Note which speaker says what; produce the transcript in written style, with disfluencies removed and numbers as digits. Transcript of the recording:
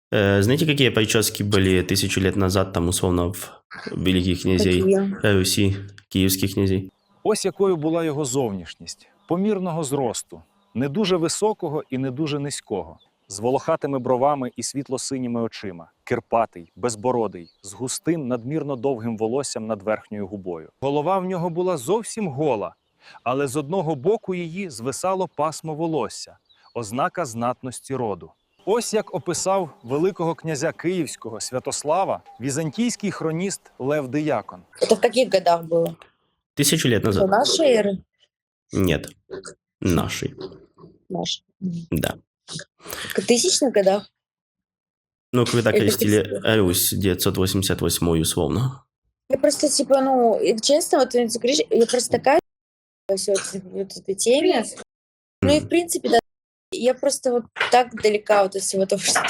Speaker 1: Знаете, какие прически были 1000 лет назад, там, условно, в великих князей
Speaker 2: Такі.
Speaker 1: Руси, киевских князей?
Speaker 3: Ось якою була його зовнішність: помірного зросту, не дуже високого і не дуже низького, з волохатими бровами і світло-синіми очима, кирпатий, безбородий, з густим, надмірно довгим волоссям над верхньою губою. Голова в нього була зовсім гола, але з одного боку її звисало пасмо волосся, ознака знатності роду. Ось як описав великого князя Київського Святослава візантійський хроніст Лев Диякон.
Speaker 2: Это в каких годах было?
Speaker 1: 1000 лет
Speaker 2: До
Speaker 1: назад?
Speaker 2: нашей эры?
Speaker 1: Нет. Нашей.
Speaker 2: Нашей.
Speaker 1: Да.
Speaker 2: В 1000-х годах?
Speaker 1: Ну, когда
Speaker 2: Это
Speaker 1: крестили Русь 988 условно.
Speaker 2: Я просто, типа, ну, и честно, вот ты говоришь, я просто такая вот этой теме. Ну и, в принципе, да, я просто вот так далека вот от всего того, что